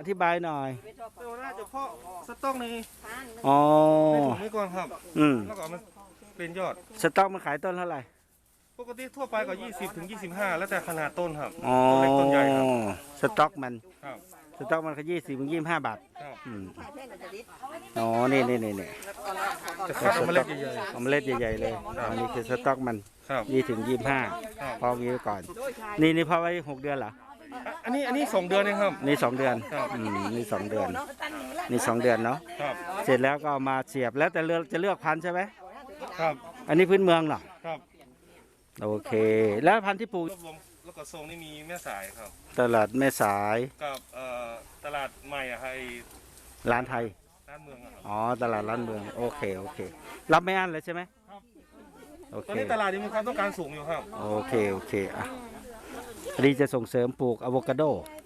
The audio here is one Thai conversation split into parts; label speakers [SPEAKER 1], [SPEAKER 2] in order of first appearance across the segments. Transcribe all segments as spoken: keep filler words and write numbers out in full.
[SPEAKER 1] ธิบายหน่อย
[SPEAKER 2] เราน่าจะเพาะสต๊อกใน
[SPEAKER 1] อ๋อ
[SPEAKER 2] ในถุงนี้ก่อนครับ
[SPEAKER 1] อืม
[SPEAKER 2] แล้วก็มันเป็นยอด
[SPEAKER 1] สต๊อกมันขายต้นเท่าไหร่
[SPEAKER 2] ปกติทั่วไปก็ยี่สิบถึงยี่สิบห้าแล้วแต่ขนาดต้นครับ
[SPEAKER 1] อ๋อ
[SPEAKER 2] ต้นเล็กต้นใหญ่ครับ
[SPEAKER 1] สต๊อกมัน
[SPEAKER 2] ครับ
[SPEAKER 1] สต๊อกมันก็ยี่สิบถึงยี่สิบห้าบาท
[SPEAKER 2] ครับ
[SPEAKER 1] อืมอ๋อนี่นี่นี่นี่
[SPEAKER 2] จะคัดเมล็ดใหญ่
[SPEAKER 1] เมล็ดใหญ่ๆเลยอันนี้คือสต๊อกมัน
[SPEAKER 2] ๆครับ
[SPEAKER 1] ยี่ถึงยี่สิบห้าพองี้ไว้ก่อนนี่นี่พอไว้หกเดือนเหรอ
[SPEAKER 2] อันนี้อันนี้สองเดือนเองครับ
[SPEAKER 1] นี่สองเดือนอืมนี่สองเดือนนี่สองเดือนเนาะ
[SPEAKER 2] ครับ
[SPEAKER 1] เสร็จแล้วก็เอามาเสียบแล้วแต่เลือกจะเลือกพันธุ์ใช่ไหม
[SPEAKER 2] ครับ
[SPEAKER 1] อันนี้พื้นเมืองเหรอ
[SPEAKER 2] ครับ
[SPEAKER 1] โอเคแล้วพันธุ์ที่ปลูก
[SPEAKER 2] รวบรวมแล้วก็ทรงนี่มีแม่สายครับ
[SPEAKER 1] ตลาดแม่สาย
[SPEAKER 2] กับเอ่อตลาดใหม่อะให้
[SPEAKER 1] ร้านไทย
[SPEAKER 2] ร้านเมืองอะครับ
[SPEAKER 1] อ๋อตลาดร้านเมืองโอเคโอเครับไม่อั้นเลยใช่ไหม
[SPEAKER 2] ครับ
[SPEAKER 1] โอเค
[SPEAKER 2] ตอนนี้ตลาดนี้มีความต้องการสูงอยู่ครับ
[SPEAKER 1] โอเคโอเคอ่ะอันนี้จะส่งเสริมปลูกอะโวคาโด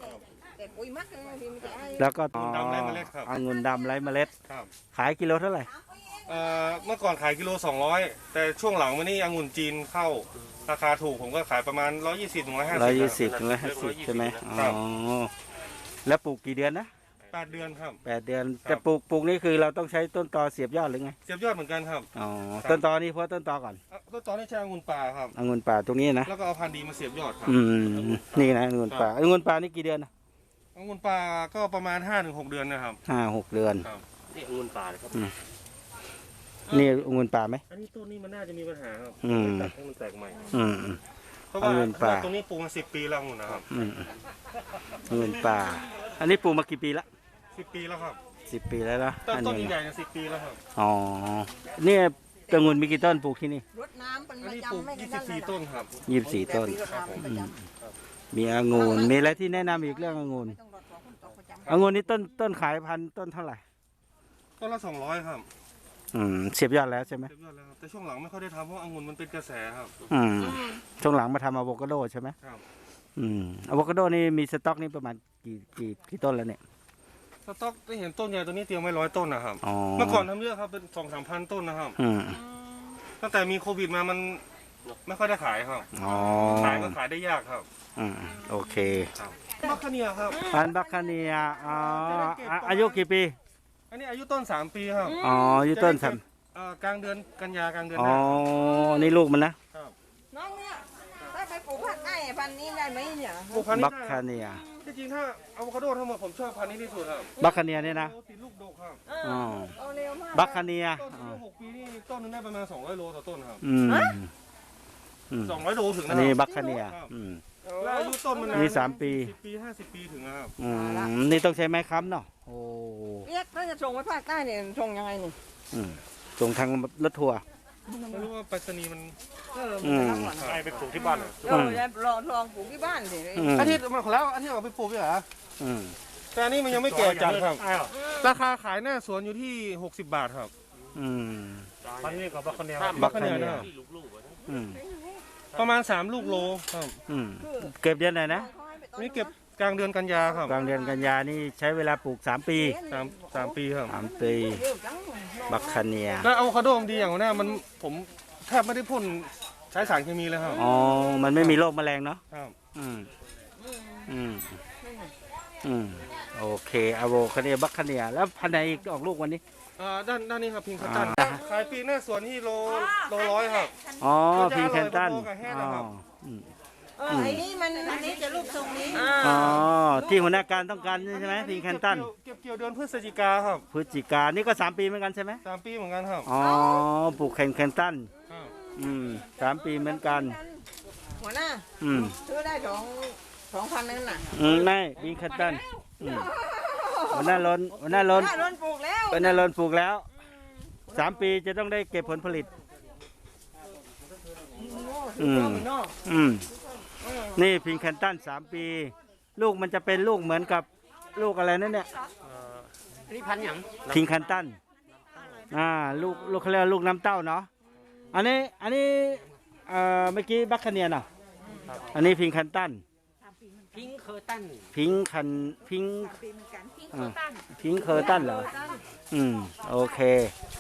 [SPEAKER 1] แล้วก็
[SPEAKER 2] องุ่นดำไร้เมล็ดครับ
[SPEAKER 1] องุ่นดำไร้เมล็ด
[SPEAKER 2] ครับ
[SPEAKER 1] ขายกิโลเท่าไหร่
[SPEAKER 2] เอ่อเมื่อก่อนขายกิโลสองร้อยแต่ช่วงหลังมานี่องุ่นจีนเข้าราคาถูกผมก็ขายประมาณร้อยยี่สิบถึงร้อยห้าสิบ
[SPEAKER 1] ร้อยยี่สิบถึงร้อยห้าสิบใช่ไหมอ๋อแล้วปลูกกี่เดือนนะ
[SPEAKER 2] แปดเดือนครับ
[SPEAKER 1] แปดเดือนจะปลูกปลูกนี่คือเราต้องใช้ต้นตอเสียบยอดหรือไง
[SPEAKER 2] เสียบยอดเหมือนกันครับ
[SPEAKER 1] อ๋อต้นตอนี่เพราะต้นตอก่อน
[SPEAKER 2] ต้นตอนี่ใช้องุ่นป่าครับ
[SPEAKER 1] องุ่นป่าตรงนี้นะ
[SPEAKER 2] แล้วก็เอาพันธุ์ดีมาเสียบยอดครับ
[SPEAKER 1] อืมนี่นะองุ่นป่าองุ่นป่านี่กี่เดือนนะ
[SPEAKER 2] องุ่นป่าก็ประมาณห้าถึงหกเดือนนะครับ
[SPEAKER 1] ห้าหกเดือน
[SPEAKER 2] นี่องุ่นป่าครับ
[SPEAKER 1] นี่องุ่นป่าไหม
[SPEAKER 2] อันนี้ต้นนี้มันน่าจะมีปัญหาครับตัดให้มันแตกใหม่
[SPEAKER 1] อืม
[SPEAKER 2] เพราะว่าตรงนี้ปลูกมาสิบปีแล้วองุ่นนะครับ
[SPEAKER 1] องุ่นป่าอันนี้ปลูกมากี่ปีละ
[SPEAKER 2] สิบปีแล้วครับ
[SPEAKER 1] สิบปีแล้วนะ
[SPEAKER 2] ต้นต้นใหญ่ๆสิบปีแล้วครับ
[SPEAKER 1] อ๋อเนี่ยองุ่นมีกี่ต้นปลูกที่นี่
[SPEAKER 2] รดน้ำเป็นประจำไม่ยี่สิบสี่ต้นครับ
[SPEAKER 1] ยี่สิบสี่ต้นมีองุ่นมีอะไรที่แนะนำอีกเรื่ององุ่นองุ่นนี่ต้นต้นขายพันต้นเท่าไหร่
[SPEAKER 2] ต้นละสองร้อยครับ
[SPEAKER 1] อืมเสียบยอดแล้วใช่ไหม
[SPEAKER 2] เสียบยอดแล้วครับแต่ช่วงหลังไม่ค่อยได้ทำเพราะองุ่นมันเป็นกระแสครับ
[SPEAKER 1] อืมช่วงหลังมาทำอะโวคาโดใช่ไหม
[SPEAKER 2] ครับ
[SPEAKER 1] อืมอะโวคาโดนี่มีสต็อกนี่ประมาณกี่กี่กี่ต้นแล้วเนี่ย
[SPEAKER 2] สต็อกได้เห็นต้นใหญ่ตัวนี้เตรียมไว้ร้อยต้นนะครับเมื่อก่อนทำเยอะครับเป็นสองสามพันต้นนะครับตั้งแต่มีโควิดมามันไม่ค่อยได้ขายครับขายก็ขายได้ยากครับ
[SPEAKER 1] อืมโอเค
[SPEAKER 2] บัคคาเนียครับ
[SPEAKER 1] พันธุ์บัคคาเนียอ๋ออายุกี่ปี
[SPEAKER 2] อันนี้อายุต้นสามปีครับ
[SPEAKER 1] อ๋ออายุต้นสาม
[SPEAKER 2] กลางเดือนกันยากลางเดือน
[SPEAKER 1] อ๋อนี่ลูกมันนะ
[SPEAKER 3] น้องเนี่ยถ้าไปปลูกผักไอ้พันนี้ได้ไหมเนี่ย
[SPEAKER 2] ปลูกพันนี้
[SPEAKER 1] บัคคาเนีย
[SPEAKER 2] จริงๆถ้าอะโวคาโดทั้งหมดผมชอบพันนี้ที่สุดครับ
[SPEAKER 1] บัคคาเนียเนี่ยนะ
[SPEAKER 2] ติดลูกดกครับ
[SPEAKER 1] อ๋อบัคคาเนีย
[SPEAKER 2] ต้นหกปีนี่ต้นนึงได้ประมาณสองร้อยโลต่อต้นครับ
[SPEAKER 1] อืม
[SPEAKER 2] สองร้อยโลถึงนะ
[SPEAKER 1] อันนี้บัคคาเนีย
[SPEAKER 2] แล้วอายุต้นมัน
[SPEAKER 1] นี่สามปี
[SPEAKER 2] สิบปีห้าสิบปีถึงนะครับ
[SPEAKER 1] อืมนี่ต้องใช้ไม้ค้ำเนาะโอ้
[SPEAKER 3] เรียกถ้าจะส่งไปภาคใต้เนี่ยส่งยังไงนี่
[SPEAKER 1] ส่งทางรถทัวร์
[SPEAKER 2] ไม่รู้ว่าไปรษณีย์มัน
[SPEAKER 3] เออ
[SPEAKER 2] ไปไปปลูกที่บ้านเหรอ
[SPEAKER 3] เออลองลองปลูกที่บ้านสิ
[SPEAKER 2] อาทิตย์มาแล้วอาทิตย์เอาไปปลูกพี่เหรอแต่อันนี้มันยังไม่แก่จัดครับราคาขายหน้าสวนอยู่ที่หกสิบบาทครับ
[SPEAKER 1] อืม
[SPEAKER 2] พันนี้กับบัคคาเนีย
[SPEAKER 1] บัคคาเนีย
[SPEAKER 2] ประมาณสามลูกโลครับ
[SPEAKER 1] เก็บเดือนไหนนะ
[SPEAKER 2] นี่เก็บกลางเดือนกันยาครับ
[SPEAKER 1] กลางเดือนกันยานี่ใช้เวลาปลูกสามปี
[SPEAKER 2] สามสามปีครับ
[SPEAKER 1] สามปีบัคคาเนีย
[SPEAKER 2] แล้วอะโวคาโดดีอย่างนี้มันผมแทบไม่ได้พ่นใช้สารเคมีเลยครับ
[SPEAKER 1] อ๋อมันไม่มีโรคแมลงเนาะ
[SPEAKER 2] ครับ
[SPEAKER 1] อืมอืมอืมโอเคอะโวคาเนียบัคคาเนียแล้วพันธุ์ไหนอีกออกลูกวันนี้
[SPEAKER 2] อ่าด้านด้านนี้ครับพิงคันตันขายปีหน้าสวนที่โลโลร้อยครับ
[SPEAKER 1] อ๋อพิงคันตัน
[SPEAKER 3] อ๋อไอ้นี่มันอันนี้จะรูปทรงนี้
[SPEAKER 1] อ๋อที่หัวหน้าการต้องการใช่ไหมพิงคันตัน
[SPEAKER 2] เก็บเกี่ยวเดือนพฤศจิกาครับ
[SPEAKER 1] พฤศจิกานี่ก็สามปีเหมือนกันใช่ไหม
[SPEAKER 2] สามปีเหมือนกันครับ
[SPEAKER 1] อ๋อปลูกแคนแคนตันอืมสามปีเหมือนกัน
[SPEAKER 3] หัวหน้า
[SPEAKER 1] อืม
[SPEAKER 3] ซื้อได้สองสองพันนั่นน่ะ
[SPEAKER 1] อืมไม่พิงคันตันหัวหน้าล้นหัวหน้าล้น
[SPEAKER 3] ล้นปลูกแล้ว
[SPEAKER 1] หัวหน้าล้นปลูกแล้วสามปีจะต้องได้เก็บผลผลิตอืมอืมนี่พิงแคนตันสามปีลูกมันจะเป็นลูกเหมือนกับลูกอะไรนั่นเนี่ย
[SPEAKER 3] นี่พันอย่าง
[SPEAKER 1] พิงแคนตันอ่าลูกลูกเขาเรียกลูกน้ำเต้าเนาะอันนี้อันนี้เอ่อเมื่อกี้บัคคาเนียน่ะอันนี้พิงแคนตัน
[SPEAKER 3] พิงเคอร์ตัน
[SPEAKER 1] พิงคันพิงพิงเคอร์ตันเหรออืมโอเค